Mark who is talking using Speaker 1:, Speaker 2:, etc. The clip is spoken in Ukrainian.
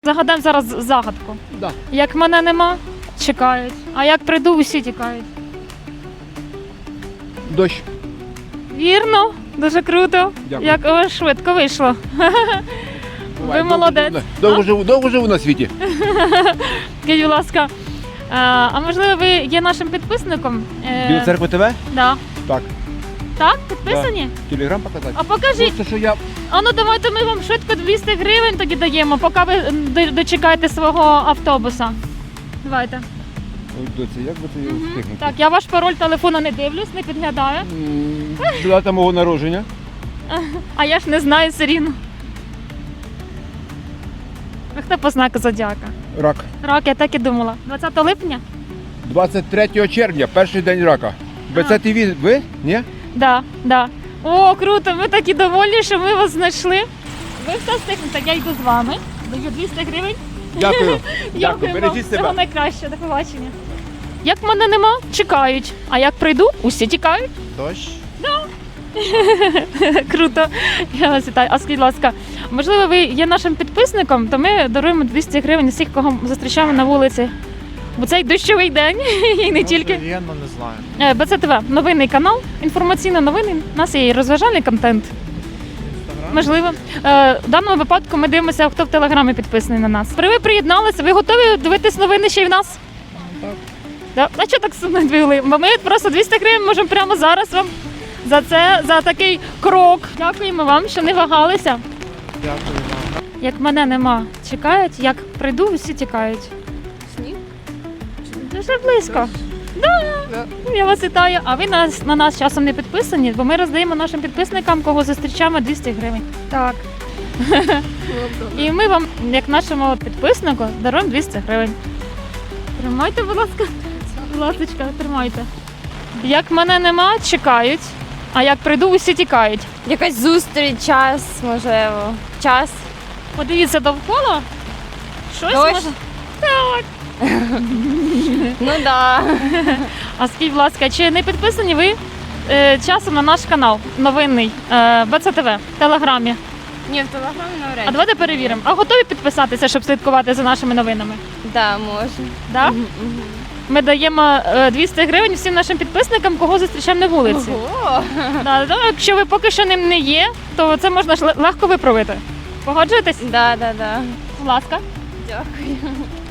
Speaker 1: Загадаємо зараз загадку.
Speaker 2: Да.
Speaker 1: Як мене нема, чекають. А як прийду, усі тікають.
Speaker 2: Дощ.
Speaker 1: Вірно, дуже круто.
Speaker 2: Дякую.
Speaker 1: Як швидко вийшло. Ви
Speaker 2: Бувай,
Speaker 1: молодець.
Speaker 2: Довго живу на світі.
Speaker 1: Скажіть, будь ласка, а можливо ви є нашим підписником?
Speaker 2: Біла церква ТВ?
Speaker 1: Да.
Speaker 2: Так.
Speaker 1: Так, підписані?
Speaker 2: Телеграм показати?
Speaker 1: А покажіть.
Speaker 2: Просто, що я...
Speaker 1: А ну давайте ми вам швидко 200 гривень тоді даємо, поки ви дочекаєте свого автобуса. Давайте.
Speaker 2: Ой, доця, як би ти його встигнути?
Speaker 1: Так, я ваш пароль телефону не дивлюсь, не підглядаю.
Speaker 2: Дата мого народження.
Speaker 1: А я ж не знаю все рівно. Ви хто по знаку зодіака?
Speaker 2: Рак.
Speaker 1: Рак, я так і думала. 20 липня?
Speaker 2: 23 червня, перший день рака. БЦ-ТВ ви? Ні?
Speaker 1: Да, да. О, круто, ми такі довольні, що ми вас знайшли. Ви все встигнете, я йду з вами. Даю 200 гривень.
Speaker 2: Дякую.
Speaker 1: Дякую вам.
Speaker 2: Бережіть
Speaker 1: Всього
Speaker 2: себе.
Speaker 1: найкраще, до побачення. Як мене нема, чекають. А як прийду, усі тікають.
Speaker 2: Дощ.
Speaker 1: Круто. Я вас вітаю. А скажіть, будь ласка, можливо, ви є нашим підписником, то ми даруємо 200 гривень всіх, кого зустрічаємо на вулиці. Бо цей дощовий день і не тільки.
Speaker 3: Я не знаю.
Speaker 1: БЦТВ, новинний канал, інформаційно новини. У нас є і розважальний контент. Можливо. В даному випадку ми дивимося, хто в Телеграмі підписаний на нас. Ви приєдналися, ви готові дивитись новини ще й в нас?
Speaker 3: Так.
Speaker 1: Да? А чого так сумно відповіли? Бо ми просто 200 гривень можемо прямо зараз вам за це, за такий крок. Дякуємо вам, що не вагалися.
Speaker 3: Дякую вам.
Speaker 1: Як мене нема, чекають, як прийду, всі тікають.
Speaker 4: Сніг?
Speaker 1: Дуже близько. Да. Я вас вітаю. А ви на нас часом не підписані, бо ми роздаємо нашим підписникам, кого зустрічаємо, 200 гривень. Так. І ми вам, як нашому підписнику, даруємо 200 гривень. Тримайте, будь ласка. Будь ласка, тримайте. Як мене нема, чекають. А як прийду, усі тікають.
Speaker 4: Якась зустріч, час, можливо. Час.
Speaker 1: Подивіться довкола. Щось
Speaker 4: Дощ?
Speaker 1: може. Так.
Speaker 4: Ну да.
Speaker 1: А скажіть, будь ласка, чи не підписані ви часом на наш канал новинний БЦТВ в Телеграмі?
Speaker 4: Ні, в телеграмі
Speaker 1: А
Speaker 4: навряд.
Speaker 1: давайте перевіримо. А готові підписатися, щоб слідкувати за нашими новинами?
Speaker 4: Да, може.
Speaker 1: Да?
Speaker 4: Мгм.
Speaker 1: Ми даємо 200 гривень всім нашим підписникам, кого зустрічаємо на вулиці.
Speaker 4: Ого.
Speaker 1: Да, якщо ви поки що ним не є, то це можна ж легко виправити. Погоджуєтесь?
Speaker 4: Да.
Speaker 1: Будь ласка.
Speaker 4: Дякую.